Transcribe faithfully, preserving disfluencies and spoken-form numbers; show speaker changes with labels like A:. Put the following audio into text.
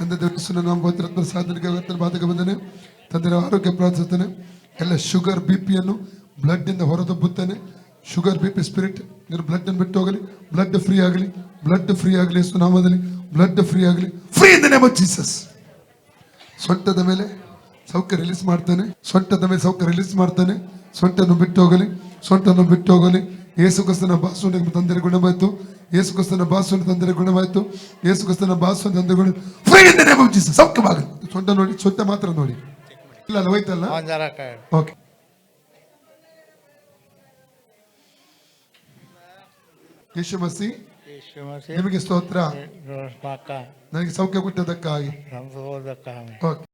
A: ತಂದೆ ದೇವರ ನಾಮ ಪವಿತ್ರ ಸಾಧನೆಗೆ ಅವತ್ತಿನ ಬಾಧಕ ಬಂದನೆ ತಂದೆಯ ಆರೋಗ್ಯ ಪ್ರಾರ್ಥಿಸುತ್ತೇನೆ. ಎಲ್ಲ ಶುಗರ್ ಬಿ ಪಿಯನ್ನು ಬ್ಲಡ್ ಇಂದ ಹೊರದಬ್ಬುತ್ತೇನೆ. ಶುಗರ್ ಬಿ ಪಿ ಸ್ಪಿರಿಟ್ ನೀನು ಬ್ಲಡ್ ಅನ್ನು ಬಿಟ್ಟು ಹೋಗಲಿ. ಬ್ಲಡ್ ಫ್ರೀ ಆಗಲಿ, ಬ್ಲಡ್ ಫ್ರೀ ಆಗಲಿ, ಯೇಸು ನಾಮದಲ್ಲಿ ಬ್ಲಡ್ ಫ್ರೀ ಆಗಲಿ. Free in the name of Jesus. ಸೊಂಟದ ಮೇಲೆ ಸೌಖ್ಯ ರಿಲೀಸ್ ಮಾಡ್ತಾನೆ. ಸೊಂಟದ ಮೇಲೆ ಸೌಖ್ಯ ರಿಲೀಸ್ ಮಾಡ್ತಾನೆ. ಸೊಂಟನ್ನು ಬಿಟ್ಟು ಹೋಗಲಿ, ಸೊಂಟನ್ನು ಬಿಟ್ಟು ಹೋಗಲಿ. ಯೇಸು ಕ್ರಿಸ್ತನ ಬಾಸುವಿನ ತಂದರೆ ಗುಣವಾಯಿತು. ಯೇಸು ಕ್ರಿಸ್ತನ ಬಾಸುವಿನ ತಂದರೆ ಗುಣವಾಯಿತು. ಯೇಸು ಕ್ರಿಸ್ತನ ಬಾಸುವಿನ ತಂದರೆ ಗುಣ. Free in the name of Jesus. ಸೌಖ್ಯವಾಗಲಿ. ಸೊಂಟ ನೋಡಿ, ಸೊಂಟ ಮಾತ್ರ ನೋಡಿ. ಇಲ್ಲ ಅಲ್ಲ, ಹೋಯ್ತಲ್ಲ. ಓಕೆ. ಯೇಸು ಮಸಿ ನಿಮಗೆ ಸ್ತೋತ್ರ. ನನಗೆ ಸೌಖ್ಯ ಕೊಟ್ಟದಕ್ಕಾಗಿ. ಓಕೆ.